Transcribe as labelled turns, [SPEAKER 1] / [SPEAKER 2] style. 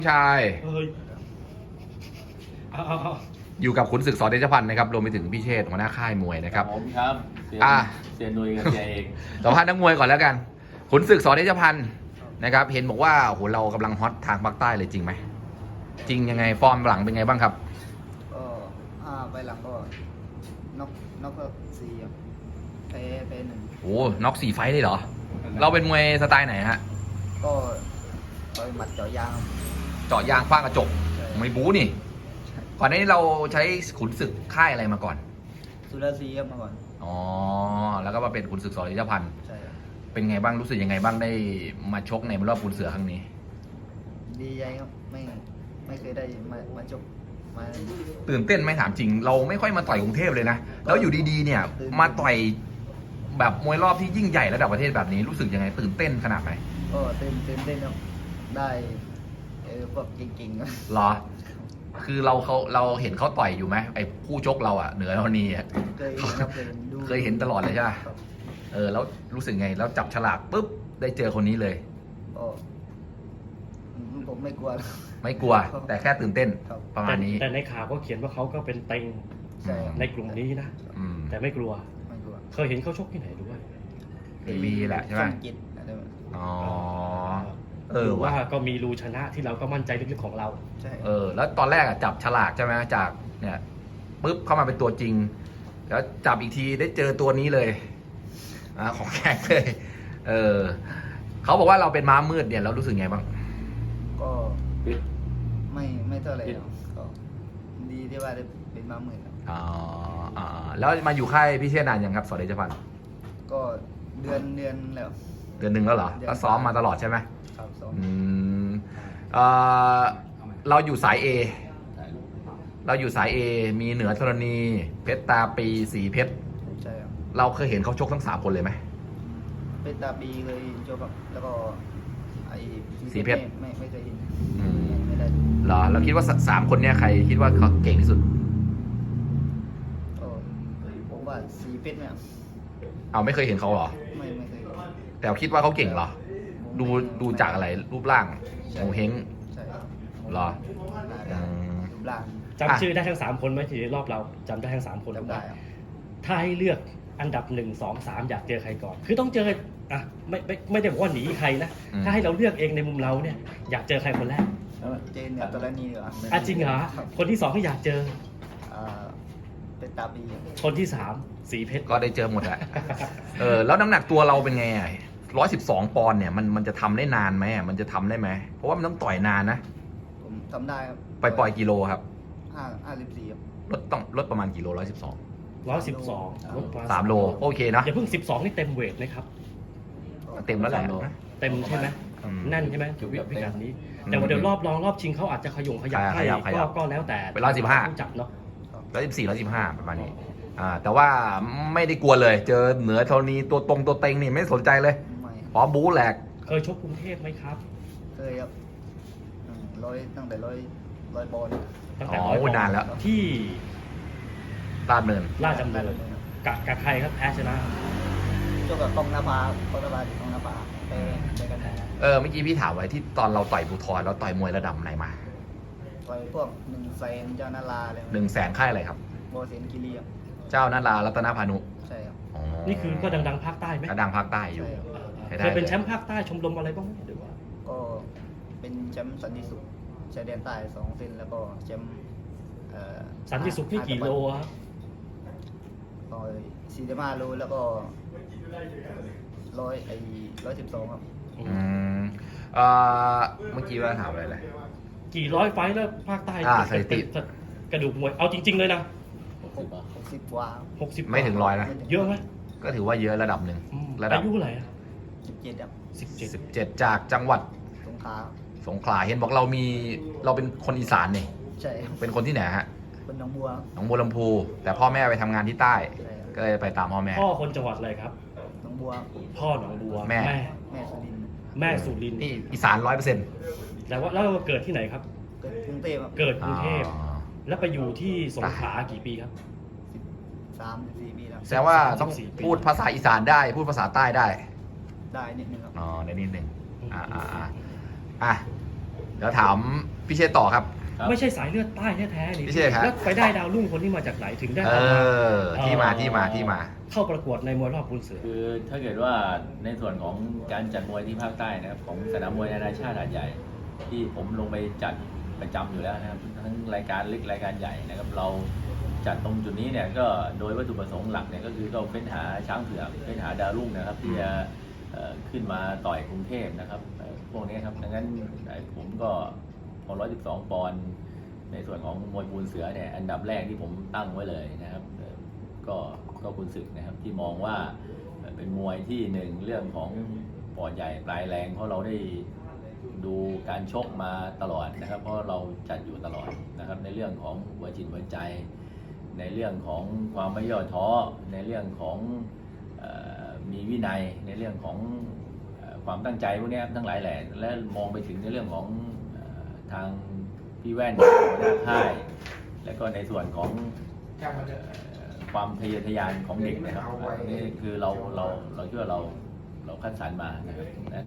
[SPEAKER 1] ชาย
[SPEAKER 2] เฮ้ยเอา
[SPEAKER 1] อยู่กับขุนศึกสเดชพันธ์นะครับรวมไปถึงพี่เชษฐ์หัวหน้าค่ายมวยนะครับ
[SPEAKER 3] ผมครับเสียนุยกับเสียเอก
[SPEAKER 1] สัมภาษณ์นักมวยก่อนแล้วกันขุนศึกสเดชพันธ์นะครับเห็นบอกว่าโหเรากำลังฮอตทางภาคใต้เลยจริงไหมจริงยังไงฟอร์มหลังเป็นไงบ้างครับ
[SPEAKER 4] ก็ไปหลังก็น็อกก็สี่ครับไปหนึ่ง
[SPEAKER 1] โอ้น็อก4 ไฟต์เลยเหรอเราเป็นมวยสไตล์ไหนฮะ
[SPEAKER 4] ก็ต่อยหมัดเจาะยางครับ
[SPEAKER 1] เจาะยางฟาดกระจกไม่บู๊นี่ก่อนหน้านี้เราใช้ขุนศึกค่ายอะไรมาก่อน
[SPEAKER 4] สุรศรีครับมาก่อน
[SPEAKER 1] อ๋อแล้วก็มาเป็นขุนศึกสเดชพันธ์
[SPEAKER 4] ใช่ครับ
[SPEAKER 1] เป็นไงบ้างรู้สึกยังไงบ้างได้มาชกในรอบขุนเสือครั้งนี้
[SPEAKER 4] ดีใจครับไม่เคยได้มาจบมา
[SPEAKER 1] ตื่นเต้นไหมถามจริง เราไม่ค่อยมาต่อยกรุงเทพเลยนะแล้วอยู่ดีๆเนี่ยมาต่อยแบบมวยรอบที่ยิ่งใหญ่ระดับประเทศแบบนี้รู้สึกยังไงตื่นเต้นขนาดไหน
[SPEAKER 4] ก็ตื่นเต้นครับได้พวกเก่งๆครับ
[SPEAKER 1] เหรอ คือเราเห็นเขาต่อยอยู่ไหมไอ้คู่ชกเราอะเหนือเรานี่อะ
[SPEAKER 4] เคยเห็นครับดู
[SPEAKER 1] เคยเห็นตลอดเลยใช่ไหม
[SPEAKER 4] ครับ
[SPEAKER 1] แล้วรู้สึกไงแล้วจับฉลากปุ๊บได้เจอคนนี้เลย
[SPEAKER 4] ก็ผมไม่กลัวครับ
[SPEAKER 1] ไม่กลัวแต่แค่ตื่นเต้น
[SPEAKER 4] ครับ
[SPEAKER 1] ประมาณนี้
[SPEAKER 2] แต่ในข่าวก็เขียนว่าเขาก็เป็นเต็ง
[SPEAKER 4] ใช่ครับ
[SPEAKER 2] ในกลุ่มนี้นะ
[SPEAKER 1] อืม
[SPEAKER 2] แต่ไม่กลัว
[SPEAKER 4] ไม่กลัว
[SPEAKER 2] เคยเห็นเขาชกที่ไหนด้วย
[SPEAKER 1] ทีวีแหละใช่ไหม
[SPEAKER 4] ช่องจิตอะไรแบบนี้
[SPEAKER 1] อ๋อ
[SPEAKER 2] หรือว่า
[SPEAKER 1] ว่ะ
[SPEAKER 2] ก็มีรูชนะที่เราก็มั่นใจลึกๆของเรา
[SPEAKER 4] ใช่
[SPEAKER 1] แล้วตอนแรกอะจับฉลากใช่ไหมจากเนี่ยปุ๊บเข้ามาเป็นตัวจริง แล้วจับอีกทีได้เจอตัวนี้เลยของแข็งเลยเขาบอกว่าเราเป็นม้ามืดเนี่ยเรารู้สึกไงบ้าง
[SPEAKER 4] ก็
[SPEAKER 3] ปิด
[SPEAKER 4] ไม่เท่าไหร่หรอกก็ดีที่ว่าได้เป็นมาหมื่นครับ
[SPEAKER 1] แล้วมาอยู่ค่ายพี่เชษฐ์นานยังครับสเดชพันธ์
[SPEAKER 4] ก็เดือนแล้ว
[SPEAKER 1] เดือนหนึ่งแล้วเหรอก็ซ้อมมาตลอดใช่ไหม
[SPEAKER 4] ครับสอง
[SPEAKER 1] อืมเราอยู่สาย A เราอยู่สาย A มีเหนือธรณี เพชรตาปีสีเพชร
[SPEAKER 4] ใช่ครับ
[SPEAKER 1] เราเคยเห็นเขาชกทั้ง3 คนเลยไหม
[SPEAKER 4] เป็นตาปีเคยจบครับแล้วก็ไอ้
[SPEAKER 1] สีเพชร
[SPEAKER 4] ไม่เคยเห็น
[SPEAKER 1] อืม
[SPEAKER 4] ไม่ได้
[SPEAKER 1] เหรอเราคิดว่า3 คนเนี่ยใครคิดว่าเขาเก่งที่สุด
[SPEAKER 4] ก็ผมว่าสีเพชรเนี่ย
[SPEAKER 1] เอาไม่เคยเห็นเขาเหรอ
[SPEAKER 4] ไม่เคยเห็น
[SPEAKER 1] แต่คิดว่าเขาเก่งเหรอ ดูจากอะไรรูปร่างโงเฮง
[SPEAKER 4] ใช่ครับ
[SPEAKER 1] เหรอ
[SPEAKER 4] หน้า
[SPEAKER 1] อืม
[SPEAKER 4] รูปร่าง
[SPEAKER 2] จำชื่อได้ทั้ง3 คนไหมที่รอบเราจำได้ทั้ง3 คน
[SPEAKER 4] จำได้ครับ
[SPEAKER 2] ถ้าให้เลือกอันดับ1 2 3อยากเจอใครก่อน คือต้องเจออ่ะไม่ได้บอกว่าหนีใครนะ ถ้าให้เราเลือกเองในมุมเราเนี่ยอยากเจอใครคนแรก
[SPEAKER 4] เจนเนี่ยตัวละนี้เหรอ
[SPEAKER 2] จริงเหรอ
[SPEAKER 4] ครับ
[SPEAKER 2] คนที่2ที่อยากเจอ
[SPEAKER 4] เป็นตาปี
[SPEAKER 2] คนที่3สีเพชร
[SPEAKER 1] ก็ได้เจอหมดแหละ แล้วน้ำหนักตัวเราเป็นไง112 ปอนด์เนี่ยมันจะทำได้นานไหมมันจะทำได้ไหมเพราะว่ามันต้องต่อยนานนะ
[SPEAKER 4] ผมทำได้ครับ
[SPEAKER 1] ปล่อยกิโลครับ
[SPEAKER 4] 54ครับ
[SPEAKER 1] ลดประมาณกิโล112
[SPEAKER 2] 112ลดมา
[SPEAKER 1] 3 โลโอเคนะ
[SPEAKER 2] อย่าเพิ่ง12นี่เต็มเวทนะครับ
[SPEAKER 1] เต็มแล้วแหละ
[SPEAKER 2] เต็มใช่ไหม
[SPEAKER 1] อืม
[SPEAKER 2] แน่นใช่ไหมวิกัดนี้ แต่ว่าเดี๋ยวรอบรองรอบชิงเขาอาจจะขยับให้
[SPEAKER 1] ขยับ
[SPEAKER 2] ก็แล้วแต่
[SPEAKER 1] เป็น115
[SPEAKER 2] ผู้จัดเนาะ
[SPEAKER 1] 114 115ประมาณนี้แต่ว่าไม่ได้กลัวเลย เจอเหนือธรณีตัวตรงตัวเต็งนี่ไม่สนใจเลย
[SPEAKER 4] ไม่
[SPEAKER 1] พร้อมบู๊แหลก
[SPEAKER 2] เคยชกกรุงเทพไหมครับ
[SPEAKER 4] เคยครับตั้งแต่ร้อยปอนด์
[SPEAKER 2] ตั้งแต่
[SPEAKER 1] อ๋อ
[SPEAKER 2] ร้อยปอนด์
[SPEAKER 1] นานแล้ว
[SPEAKER 2] ที่
[SPEAKER 1] ลาดเนิน
[SPEAKER 2] ราชดำเนินกับใครครับแพ้ชนะ
[SPEAKER 4] โจกับกองนภาที่กองนภาไปกันแทน
[SPEAKER 1] เมื่อกี้พี่ถามไว้ที่ตอนเราต่อยภูทรเราต่อยมวยระดับไหนมา
[SPEAKER 4] ต่อยพวก100,000เจ้านาราอะไร
[SPEAKER 1] 100,000ค่ายอะไรครับ
[SPEAKER 4] โบเซนกิรีครับ
[SPEAKER 1] เจ้านารารัตนพานุ
[SPEAKER 4] ใช่ครับ
[SPEAKER 1] อ๋อ
[SPEAKER 2] นี่คือก็ดังๆภาคใต้ไหม
[SPEAKER 1] กระดังภาคใต้อยู่
[SPEAKER 4] ใช่ครับ
[SPEAKER 1] ใช้ได้
[SPEAKER 2] เคยเป็นแชมป์ภาคใต้ชมรมอะไรบ้างไหมหรือว่า
[SPEAKER 4] ก็เป็นแชมป์สันติสุขชายแดนใต้2 เส้นแล้วก็แชมป์
[SPEAKER 2] สันติสุขนี่กี่โลครับ
[SPEAKER 4] ต่อย45 โลแล้วก็112ครับ
[SPEAKER 1] อืมเมื่อกี้ว่าถามอะไรเลย
[SPEAKER 2] กี่ร้อยไฟท์แล้วภาคใต้
[SPEAKER 1] สถิติ
[SPEAKER 2] เป็นกระดูกมวยเอาจริง ๆ เลยนะ
[SPEAKER 4] 60 กว่า
[SPEAKER 2] 60
[SPEAKER 1] ไม่ถึง100นะ
[SPEAKER 2] เยอะไหม
[SPEAKER 1] ก็ถือว่าเยอะระดับหนึ่ง
[SPEAKER 2] อืม
[SPEAKER 1] ระดับ
[SPEAKER 2] อายุเท่าไหร่อะ
[SPEAKER 4] 17ครับ
[SPEAKER 1] 17จากจังหวัด
[SPEAKER 4] สงขลา
[SPEAKER 1] สงขลาเห็นบอกเราเป็นคนอีสานนี่
[SPEAKER 4] ใช่ครับ
[SPEAKER 1] เป็นคนที่ไหนฮะ
[SPEAKER 4] เป็นหนองบัว
[SPEAKER 1] หนองบัวลำพู แต่พ่อแม่ไปทำงานที่ใต้
[SPEAKER 4] ใช่ครับ
[SPEAKER 1] ก็เลยไปตามพ่อแม่
[SPEAKER 2] พ่อคนจังหวัดอะไรครับ
[SPEAKER 4] หนองบัว
[SPEAKER 2] พ่อหนองบัว
[SPEAKER 1] แม่
[SPEAKER 4] แม่สุรินทร์
[SPEAKER 2] แม่สุรินทร์
[SPEAKER 1] นี่อีสาน100%
[SPEAKER 2] แต่ว่าแล้วเกิดที่ไหนครับ
[SPEAKER 4] เกิดกรุงเทพครับ
[SPEAKER 2] เกิดกรุงเทพแล้วไปอยู่ที่สงขลากี่ปีครับ
[SPEAKER 4] 13-14 ปีแล้ว
[SPEAKER 1] แสดงว่าต้อง
[SPEAKER 2] 14 ปี
[SPEAKER 1] พูดภาษาอีสานได้ พูดภาษาใต้ได้
[SPEAKER 4] ได้นิดนึงครับ
[SPEAKER 1] อ๋อในนิดหนึ่งอ่ะเดี๋ยวถามพี่เชษฐ์ต่อครับ
[SPEAKER 3] ครับ
[SPEAKER 2] ไม่ใช่สายเลือดใต้แท้ๆนี่
[SPEAKER 1] พี่เชษฐ์ครับ
[SPEAKER 2] แล้วไปได้ดาวรุ่งคนที่มาจากไหนถึงได้
[SPEAKER 1] เอ
[SPEAKER 2] เอามา
[SPEAKER 1] อที่มา
[SPEAKER 2] เข้าประกวดในมวยรอบปูนเสือ
[SPEAKER 3] คือถ้าเกิดว่าในส่วนของการจัดมวยที่ภาคใต้นะครับของสนามมวยนานาชาติหาดใหญ่ ที่ผมลงไปจัดประจำอยู่แล้วนะครับทั้งรายการเล็กรายการใหญ่นะครับเราจัดตรงจุดนี้เนี่ยก็โดยวัตถุประสงค์หลักเนี่ยก็คือเราเฟ้นหาช้างเผือกเฟ้นหาดาวรุ่งนะครับที่จะขึ้นมาต่อยกรุงเทพนะครับพวกนี้ครับดังนั้นผมก็พอ112 ปอนด์ในส่วนของมวยปูนเสือเนี่ยอันดับแรกที่ผมตั้งไว้เลยนะครับก็คุณศึกนะครับที่มองว่าเป็นมวยที่หนึ่งเรื่องของปอดใหญ่ปลายแรงเพราะเราได้ดูการชกมาตลอดนะครับเพราะเราจัดอยู่ตลอดนะครับในเรื่องของหัวจิตหัวใจ ในเรื่องของความไม่ย่อท้อในเรื่องของมีวินัยในเรื่องของความตั้งใจพวกนี้ทั้งหลายแหล่และมองไปถึงในเรื่องของทางพี่แว่นหัวหน้าค่ายและก็ในส่วนของความทะเยอทะยานของเด็กนะครับนี่คือเราคิดว่าเราคัดสรรมานะครับ